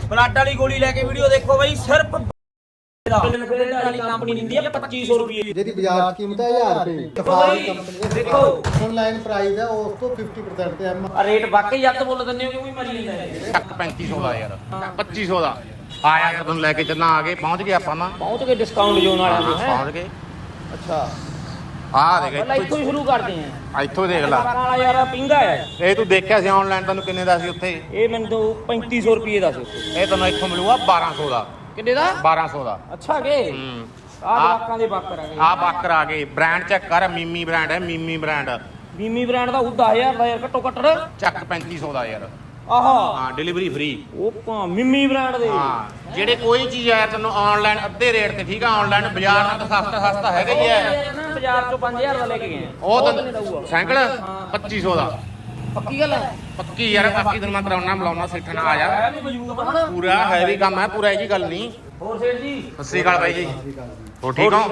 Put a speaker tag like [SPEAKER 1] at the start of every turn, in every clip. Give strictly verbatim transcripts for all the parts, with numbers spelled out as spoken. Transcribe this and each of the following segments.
[SPEAKER 1] Blood ਵਾਲੀ ਗੋਲੀ ਲੈ ਕੇ ਵੀਡੀਓ ਦੇਖੋ ਬਾਈ ਸਿਰਫ ਕੰਪਨੀ ਦਿੰਦੀ ਹੈ ਪੱਚੀ ਸੌ ਰੁਪਏ
[SPEAKER 2] ਜਿਹਦੀ ਬਾਜ਼ਾਰ ਕੀਮਤ ਹੈ ਹਜ਼ਾਰ ਰੁਪਏ ਸਫਾਰੀ ਕੰਪਨੀ ਦੇਖੋ ਆਨਲਾਈਨ ਪ੍ਰਾਈਸ ਹੈ ਉਸ ਤੋਂ ਫਿਫਟੀ ਪਰਸੈਂਟ ਤੇ ਐਮ
[SPEAKER 1] ਰੇਟ ਵਾਕਈ ਜੱਟ ਬੋਲ ਦਿੰਦੇ ਹੋ ਕਿਉਂਕਿ ਮਰੀ ਜਾਂਦਾ
[SPEAKER 3] ਹੈ ਪੈਂਤੀ ਸੌ ਦਾ ਯਾਰ ਪੱਚੀ ਸੌ ਦਾ ਆਇਆ ਜਦੋਂ ਲੈ ਕੇ ਚੱਲਾਂ ਆ ਗਏ ਪਹੁੰਚ ਗਏ ਆਪਾਂ ਨਾ
[SPEAKER 1] ਪਹੁੰਚ ਗਏ ਡਿਸਕਾਊਂਟ ਜ਼ੋਨ ਵਾਲਿਆਂ ਦੇ
[SPEAKER 3] ਪਹੁੰਚ ਗਏ
[SPEAKER 1] ਅੱਛਾ
[SPEAKER 3] ਆ ਦੇਖ
[SPEAKER 1] ਪਹਿਲਾਂ ਇੱਥੋਂ ਹੀ ਸ਼ੁਰੂ ਕਰਦੇ ਆਂ
[SPEAKER 3] ਇੱਥੋਂ ਦੇਖ ਲੈ
[SPEAKER 1] ਵਾਲਾ ਯਾਰ ਪਿੰਗਾ ਹੈ
[SPEAKER 3] ਇਹ ਤੂੰ ਦੇਖਿਆ ਸੀ ਆਨਲਾਈਨ ਤੈਨੂੰ ਕਿੰਨੇ ਦਾ ਸੀ ਉੱਥੇ
[SPEAKER 1] ਇਹ ਮੈਨੂੰ ਪੈਂਤੀ ਸੌ ਰੁਪਏ ਦਾ ਸੀ
[SPEAKER 3] ਇਹ ਤੈਨੂੰ ਇੱਥੋਂ ਮਿਲੂਗਾ ਬਾਰਾਂ ਸੌ ਦਾ
[SPEAKER 1] ਕਿੰਨੇ ਦਾ
[SPEAKER 3] ਬਾਰਾਂ ਸੌ ਦਾ
[SPEAKER 1] ਅੱਛਾ ਕੇ
[SPEAKER 3] ਹੂੰ
[SPEAKER 1] ਆਹ ਜਵਾਕਾਂ ਦੇ ਬਾਕਰ ਆ ਗਏ
[SPEAKER 3] ਆ ਬਾਕਰ ਆ ਗਏ ਬ੍ਰਾਂਡ ਚੈੱਕ ਕਰ ਮੀਮੀ ਬ੍ਰਾਂਡ ਹੈ ਮੀਮੀ ਬ੍ਰਾਂਡ
[SPEAKER 1] ਮੀਮੀ ਬ੍ਰਾਂਡ ਦਾ ਉਹ ਦਸ ਹਜ਼ਾਰ ਦਾ ਯਾਰ ਘੱਟੋ ਘੱਟ
[SPEAKER 3] ਚੱਕ ਪੈਂਤੀ ਸੌ ਦਾ ਯਾਰ
[SPEAKER 1] ਆਹਾ
[SPEAKER 3] ਹਾਂ ਡਿਲੀਵਰੀ ਫ੍ਰੀ
[SPEAKER 1] ਉਹ ਭਾ ਮਿੰਮੀ ਬ੍ਰਾਂਡ ਦੇ
[SPEAKER 3] ਹਾਂ ਜਿਹੜੇ ਕੋਈ ਚੀਜ਼ ਆਇਆ ਤੈਨੂੰ ਆਨਲਾਈਨ ਅੱਧੇ ਰੇਟ ਤੇ ਠੀਕ ਆ ਆਨਲਾਈਨ ਬਾਜ਼ਾਰ ਨਾਲ ਤਾਂ ਸਸਤਾ ਸਸਤਾ ਹੈਗਾ ਹੀ ਹੈ
[SPEAKER 1] ਬਾਜ਼ਾਰ ਚੋਂ ਪੰਜ ਹਜ਼ਾਰ ਦਾ ਲੈ ਕੇ ਗਏ
[SPEAKER 3] ਉਹ ਤੈਨੂੰ ਸਾਈਕਲ ਪੱਚੀ ਸੌ ਦਾ
[SPEAKER 1] ਪੱਕੀ ਗੱਲ ਹੈ
[SPEAKER 3] ਪੱਕੀ ਯਾਰ ਬਾਕੀ ਤੈਨੂੰ ਮੈਂ ਕਰਾਉਣਾ ਬੁਲਾਉਣਾ ਸਿੱਖਣ ਆ ਜਾ
[SPEAKER 1] ਹੈ ਵੀ ਮੌਜੂਦ ਆ
[SPEAKER 3] ਪੂਰਾ ਹੈਵੀ ਕੰਮ ਹੈ ਪੂਰਾ ਇਹ ਜੀ ਗੱਲ ਨਹੀਂ
[SPEAKER 1] ਹੋਰ ਸੇਠ ਜੀ
[SPEAKER 3] ਸਤਿ ਸ਼੍ਰੀ ਅਕਾਲ ਬਾਈ ਜੀ ਹੋ ਠੀਕ ਹੋ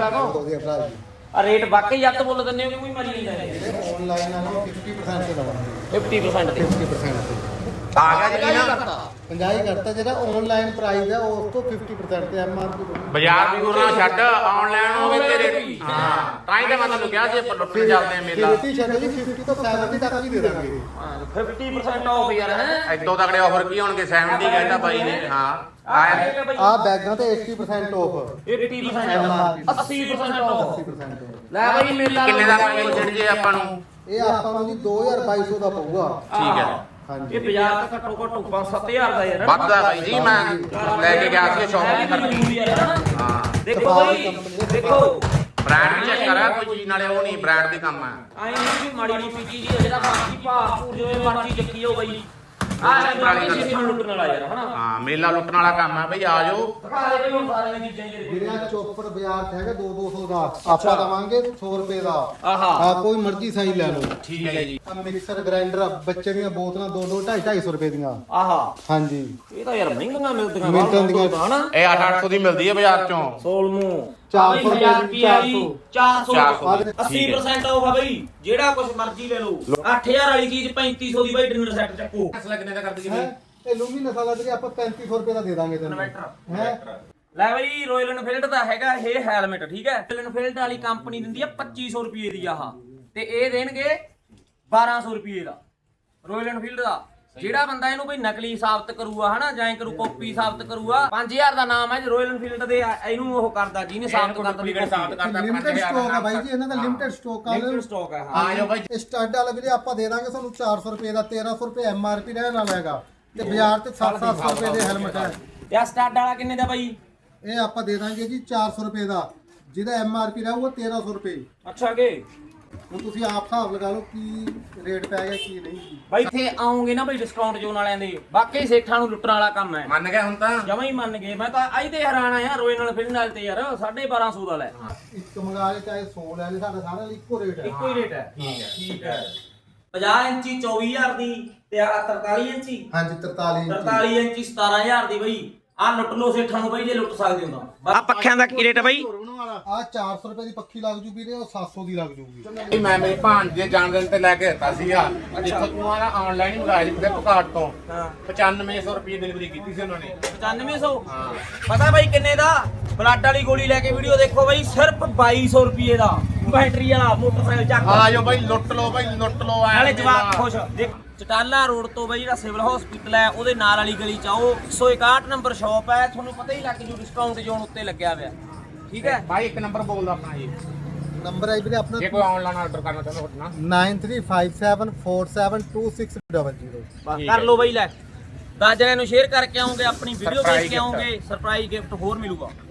[SPEAKER 1] ਆ ਰੇਟ ਵਾਕਈ ਜੱਟ ਬੋਲ ਦਿੰਦੇ ਹੋ ਕਿਉਂਕਿ ਮਰੀ ਜਾਂਦਾ
[SPEAKER 2] ਆਨਲਾਈਨ ਨਾਲੋਂ ਫਿਫਟੀ ਪਰਸੈਂਟ ਤੇ ਲਵਾਂਗੇ
[SPEAKER 1] ਫਿਫਟੀ ਪਰਸੈਂਟ ਤੇ
[SPEAKER 2] ਫਿਫਟੀ ਪਰਸੈਂਟ ਤੇ
[SPEAKER 3] ਆ ਗਿਆ ਜੀ ਨਾ
[SPEAKER 2] ਪੰਜਾਹ ਕਰਤਾ ਜਿਹੜਾ ਆਨਲਾਈਨ ਪ੍ਰਾਈਸ ਹੈ ਉਸ ਤੋਂ ਫਿਫਟੀ ਪਰਸੈਂਟ ਤੇ ਐਮ ਆਰ ਪੀ
[SPEAKER 3] ਬਾਜ਼ਾਰ ਵੀ ਗੁਰਨਾ ਛੱਡ ਆਨਲਾਈਨ ਹੋਵੇ ਤੇਰੇ ਹਾਂ ਤਾਂ ਹੀ ਤਾਂ ਮੈਂ ਤੁਹਾਨੂੰ ਕਿਹਾ ਸੀ ਆਪਾਂ ਲੁੱਟਣ ਚੱਲਦੇ ਆ ਮੇਲਾ
[SPEAKER 2] ਫਿਫਟੀ ਛੱਡ ਜੀ ਫਿਫਟੀ ਤੋਂ ਸੈਵਨਟੀ ਤੱਕ ਵੀ ਦੇ ਦਾਂਗੇ
[SPEAKER 1] ਫਿਫਟੀ ਪਰਸੈਂਟ ਆਫ ਯਾਰ ਹੈ
[SPEAKER 3] ਐਦੋਂ ਤਕੜੇ ਆਫਰ ਕੀ ਹੋਣਗੇ ਸੱਤਰ ਕਹਿੰਦਾ ਬਾਈ ਨੇ ਹਾਂ ਆਇਆ
[SPEAKER 2] ਆ ਬੈਗਾਂ ਤੇ eighty percent off
[SPEAKER 1] eighty percent ਅੱਸੀ percent off
[SPEAKER 2] eighty percent off।
[SPEAKER 1] ਲੈ ਬਾਈ ਮੇਲਾ
[SPEAKER 3] ਕਿੰਨੇ ਦਾ ਪਾਈ ਛੱਡ ਜੇ ਆਪਾਂ ਨੂੰ
[SPEAKER 2] ਇਹ ਆਪਾਂ ਨੂੰ ਜੀ ਦੋ ਹਜ਼ਾਰ ਬਾਈ ਸੌ ਦਾ ਪਊਗਾ
[SPEAKER 3] ਠੀਕ ਹੈ
[SPEAKER 2] ਹਾਂਜੀ
[SPEAKER 1] ਇਹ ਬਾਜ਼ਾਰ ਤਾਂ ਘੱਟੋ ਘੱਟ ਪੰਜ ਸੱਤ ਹਜ਼ਾਰ ਦਾ ਯਾਰ
[SPEAKER 3] ਵੱਧਦਾ ਬਾਈ ਜੀ ਮੈਂ ਲੈ ਕੇ ਗਿਆ ਸੀ ਸ਼ਾਪਿੰਗ ਕਰਨ ਹਾਂ
[SPEAKER 1] ਦੇਖੋ ਬਾਈ ਦੇਖੋ
[SPEAKER 3] ਬ੍ਰਾਂਡ ਚੈੱਕ ਕਰਾ ਕੋਈ ਚੀਜ਼ ਨਾਲੇ ਉਹ ਨਹੀਂ ਬ੍ਰਾਂਡ ਦੇ ਕੰਮ ਹੈ
[SPEAKER 1] ਆਈ ਨਹੀਂ ਵੀ ਮਾੜੀ ਮੋਟੀ ਚੀਜ਼ ਹੈ ਜਿਹੜਾ ਬਾਕੀ ਭਾਅ ਭੂਰ ਜਿਵੇਂ ਮਰਜ਼ੀ ਚੱਕੀ ਹੋ ਬਾਈ ਆਹ
[SPEAKER 3] ਵਾਲੀ ਗੱਲ।
[SPEAKER 1] ਸਿਸਟਮ ਲੁੱਟਣ ਵਾਲਾ ਯਾਰ ਹਨਾ
[SPEAKER 3] ਹਾਂ ਮੇਲਾ ਲੁੱਟਣ ਵਾਲਾ ਕੰਮ ਹੈ ਬਈ ਆ ਜਾਓ
[SPEAKER 1] ਦਿਖਾ ਦੇ ਬਈ ਹੁਣ ਸਾਰੀਆਂ ਚੀਜ਼ਾਂ ਜਿਹੜੇ
[SPEAKER 2] ਜਿਹੜਾ ਚੋਪੜ ਬਾਜ਼ਾਰ ਚ ਹੈਗਾ ਦੋ ਦੋ ਸੌ ਦਾ ਆਪਾਂ ਦਵਾਂਗੇ ਸੌ ਰੁਪਏ ਦਾ
[SPEAKER 1] ਆਹਾ
[SPEAKER 2] ਆ ਕੋਈ ਮਰਜ਼ੀ ਸਾਈ ਲੈ ਲਓ
[SPEAKER 3] ਠੀਕ ਹੈ ਜੀ
[SPEAKER 2] ਆ ਮਿਕਸਰ ਗ੍ਰਾਈਂਡਰ ਬੱਚੇ ਦੀਆਂ ਬੋਤਲਾਂ ਦੋ ਦੋ ਢਾਈ ਢਾਈ ਸੌ ਰੁਪਏ ਦੀਆਂ
[SPEAKER 1] ਆਹਾ
[SPEAKER 2] ਹਾਂਜੀ
[SPEAKER 1] ਇਹ ਤਾਂ ਯਾਰ ਮਹਿੰਗੀਆਂ ਮਿਲਦੀਆਂ
[SPEAKER 2] ਮਿਲਦੀਆਂ ਦੀਆਂ।
[SPEAKER 1] ਹਨਾ
[SPEAKER 3] ਇਹ ਅੱਠ ਅੱਠ ਸੌ ਦੀ ਮਿਲਦੀ ਹੈ ਬਾਜ਼ਾਰ ਚੋਂ
[SPEAKER 1] ਸੋਲਮੂ
[SPEAKER 2] ਚਾਰ ਸੌ ਰੁਪਏ
[SPEAKER 1] ਚਾਰ ਸੌ
[SPEAKER 3] ਚਾਰ ਸੌ
[SPEAKER 1] ਅੱਸੀ percent ਆਫ ਆ ਬਈ ਜਿਹੜਾ ਕੁਝ ਮਰਜ਼ੀ ਲੈ ਲਓ ਅੱਠ ਹਜ਼ਾਰ ਵਾਲੀ ਚੀਜ਼ ਪੈਂਤੀ ਸੌ ਦੀ ਬਈ ਡਿਨਰ ਸੈੱਟ ਚੱਕੋ
[SPEAKER 3] ਫੈਸਲਾ ਕਿੰਨੇ ਦਾ ਕਰ ਦਈਏ
[SPEAKER 2] ਹੈ ਇਹ ਲੂਮੀਨਸ ਵਾਲਾ ਜਿਹੜੀ ਆਪਾਂ ਪੈਂਤੀ ਸੌ ਰੁਪਏ ਦਾ ਦੇ ਦਾਂਗੇ ਤੈਨੂੰ ਹੈ
[SPEAKER 1] ਲੈ ਬਈ ਰੋਇਲ ਐਨਫੀਲਡ ਦਾ ਹੈਗਾ ਇਹ ਹੈਲਮਟ ਠੀਕ ਹੈ ਰੋਇਲ ਐਨਫੀਲਡ ਵਾਲੀ ਕੰਪਨੀ ਦਿੰਦੀ ਹੈ ਪੱਚੀ ਸੌ ਰੁਪਏ ਦੀ ਆਹ ਤੇ ਇਹ ਦੇਣਗੇ ਬਾਰਾਂ ਸੌ ਰੁਪਏ ਦਾ ਰੋਇਲ ਐਨਫੀਲਡ ਦਾ ਜਿਹੜਾ ਬੰਦਾ ਇਹਨੂੰ ਬਈ ਨਕਲੀ ਸਾਬਤ ਕਰੂਗਾ ਹਨਾ ਜਾਂ ਕਰੂ ਕਾਪੀ ਸਾਬਤ ਕਰੂਗਾ ਪੰਜ ਹਜ਼ਾਰ ਦਾ ਨਾਮ ਹੈ ਰੋਇਲ ਐਨਫੀਲਡ ਦੇ ਇਹਨੂੰ ਉਹ ਕਰਦਾ ਜਿਹਨੇ ਸਾਬਤ ਕਰਦਾ ਵੀ
[SPEAKER 3] ਸਾਬਤ ਕਰਦਾ
[SPEAKER 2] ਲਿਮਟਿਡ ਸਟਾਕ ਆ ਬਾਈ ਜੀ ਇਹਨਾਂ ਦਾ ਲਿਮਟਿਡ ਸਟਾਕ ਆ
[SPEAKER 1] ਲਿਮਟਿਡ ਸਟਾਕ ਹੈ
[SPEAKER 3] ਆ ਜਾਓ ਬਾਈ
[SPEAKER 2] ਇਹ ਸਟੱਡ ਵਾਲਾ ਵੀਰੇ ਆਪਾਂ ਦੇ ਦਾਂਗੇ ਤੁਹਾਨੂੰ ਚਾਰ ਸੌ ਰੁਪਏ ਦਾ ਤੇਰਾਂ ਸੌ ਰੁਪਏ ਐਮ ਆਰ ਪੀ ਰਹਿਣ ਵਾਲਾ ਹੈਗਾ ਤੇ ਬਾਜ਼ਾਰ ਤੇ ਸੱਤ ਸੱਤ ਸੌ ਰੁਪਏ ਦੇ ਹੈਲਮਟ ਹੈ
[SPEAKER 1] ਤੇ ਆ ਸਟਾਰਟ ਵਾਲਾ ਕਿੰਨੇ ਦਾ ਬਾਈ
[SPEAKER 2] ਇਹ ਆਪਾਂ ਦੇ ਦਾਂਗੇ ਜੀ ਚਾਰ ਸੌ ਰੁਪਏ ਦਾ ਜਿਹਦਾ ਐਮ ਆਰ ਪੀ ਰਹੂਗਾ ਤੇਰਾਂ ਸੌ ਰੁਪਏ
[SPEAKER 1] ਅੱਛਾ ਕੇ
[SPEAKER 2] ਹੁਣ ਤੁਸੀਂ ਆਪ ਹਿਸਾਬ ਲਗਾ ਲਓ ਕੀ ਰੇਟ ਪੈ ਗਿਆ ਕੀ ਨਹੀਂ
[SPEAKER 1] ਬਾਈ ਇੱਥੇ ਆਉਂਗੇ ਨਾ ਬਈ ਡਿਸਕਾਊਂਟ ਜ਼ੋਨ ਵਾਲਿਆਂ ਦੇ ਬਾਕੀ ਸੇਠਾਂ ਨੂੰ ਲੁੱਟਣ ਵਾਲਾ ਕੰਮ ਹੈ
[SPEAKER 3] ਮੰਨ ਗਿਆ ਹੁਣ ਤਾਂ
[SPEAKER 1] ਜਮਾਂ ਹੀ ਮੰਨ ਗਏ ਮੈਂ ਤਾਂ ਅੱਜ ਤੇ ਹੈਰਾਨ ਆ ਰੋਏ ਨਾਲ ਫਿਰਨ ਨਾਲ ਤੇ ਯਾਰ ਬਾਰਾਂ ਸੌ ਦਾ ਲੈ
[SPEAKER 2] ਇੱਕ ਮੰਗਾ ਲੈ ਚਾਹੇ ਸੌ ਲੈ ਲੈ ਸਾਡਾ ਸਾਰਾ ਇੱਕੋ ਰੇਟ ਹੈ
[SPEAKER 1] ਇੱਕੋ ਹੀ ਰੇਟ ਹੈ
[SPEAKER 3] ਠੀਕ ਹੈ
[SPEAKER 1] ਠੀਕ ਹੈ ਪੰਜਾਹ ਇੰਚੀ ਚੌਵੀ ਹਜ਼ਾਰ ਦੀ ਤੇ ਆ ਤਰਤਾਲੀ ਇੰਚੀ
[SPEAKER 2] ਹਾਂਜੀ ਤਰਤਾਲੀ ਇੰਚੀ
[SPEAKER 1] ਤਰਤਾਲੀ ਇੰਚੀ ਸਤਾਰਾਂ ਹਜ਼ਾਰ ਦੀ ਬਈ ਆ ਲੁੱਟ ਲੋ ਸੇਠਾਂ ਨੂੰ ਬਈ ਜੇ ਲੁੱਟ ਸਕਦੇ ਹੋ ਤਾਂ ਆ ਪੱਖਿਆਂ ਦਾ ਕੀ ਰੇਟ ਹੈ ਬਈ
[SPEAKER 2] ਆ ਚਾਰ ਸੌ ਰੁਪਏ ਦੀ ਪੱਖੀ ਲੱਗ ਜੂ ਵੀਰੇ ਉਹ ਸੱਤ ਸੌ ਦੀ ਲੱਗ ਜੂਗੀ
[SPEAKER 3] ਮੈਂ ਮੇਰੇ ਭਾਂਜ ਦੇ ਜਾਣ ਦਿਨ ਤੇ ਲੈ ਕੇ ਦਿੱਤਾ ਸੀਗਾ ਜਿੱਥੋਂ ਤੂੰ ਆ ਆਨਲਾਈਨ ਹੀ ਮੰਗਾਇਆ ਸੀ ਫਲਿੱਪਕਾਰਟ ਤੋਂ
[SPEAKER 1] ਹਾਂ
[SPEAKER 3] ਪਚਾਨਵੇਂ ਸੌ ਰੁਪਏ ਡਿਲੀਵਰੀ ਕੀਤੀ ਸੀ ਉਹਨਾਂ ਨੇ
[SPEAKER 1] ਪਚਾਨਵੇਂ ਸੌ
[SPEAKER 3] ਹਾਂ
[SPEAKER 1] ਪਤਾ ਬਾਈ ਕਿੰਨੇ ਦਾ ਬਲੱਡ ਵਾਲੀ ਗੋਲੀ ਲੈ ਕੇ ਵੀਡੀਓ ਦੇਖੋ ਬਾਈ ਸਿਰਫ ਬਾਈ ਸੌ ਰੁਪਏ ਦਾ ਬੈਟਰੀ ਵਾਲਾ ਮੋਟਰਸਾਈਕਲ ਚੱਕ
[SPEAKER 3] ਆ ਜਾਓ ਬਾਈ ਲੁੱਟ ਲਓ ਬਾਈ ਲੁੱਟ ਲਓ ਐ
[SPEAKER 1] ਨਾਲੇ ਜਵਾਕ ਖੁਸ਼ ਦੇਖ ਚਟਾਲਾ ਰੋਡ ਤੋਂ ਬਾਈ ਜਿਹੜਾ ਸਿਵਲ ਹਸਪੀਟਲ ਹੈ ਉਹਦੇ ਨਾਲ ਵਾਲੀ ਗਲੀ ਚ ਆਓ ਇੱਕ ਸੌ ਇਕਾਹਠ ਨੰਬਰ ਸ਼ਾਪ ਹੈ ਤੁਹਾਨੂੰ ਪਤਾ ਹੀ ਲੱਗ ਜੂ ਡਿਸਕਾਊਂਟ ਜ਼ੋਨ ਉੱਤੇ ਲੱਗਿਆ ਹੋਇਆ ਠੀਕ ਹੈ
[SPEAKER 3] ਬਾਈ ਇੱਕ ਨੰਬਰ ਬੋਲਦਾ ਆਪਣਾ ਜੀ
[SPEAKER 2] ਨੰਬਰ ਹੈ ਵੀਰੇ ਆਪਣਾ
[SPEAKER 3] ਜੇ ਕੋਈ ਆਨਲਾਈਨ ਆਰਡਰ ਕਰਨਾ ਚਾਹੁੰਦਾ ਤੁਹਾਡੇ ਨਾਲ
[SPEAKER 2] nine three five seven four seven two six double zero
[SPEAKER 1] ਕਰ ਲਓ ਬਾਈ ਲੈ ਦਸ ਜਣਿਆਂ ਨੂੰ ਸ਼ੇਅਰ ਕਰਕੇ ਆਉਂਗੇ ਆਪਣੀ ਵੀਡੀਓ ਦੇਖ ਕੇ ਆਉਂਗੇ ਸਰਪ੍ਰਾਈਜ਼ ਗਿਫਟ ਹੋਰ ਮਿਲੂਗਾ।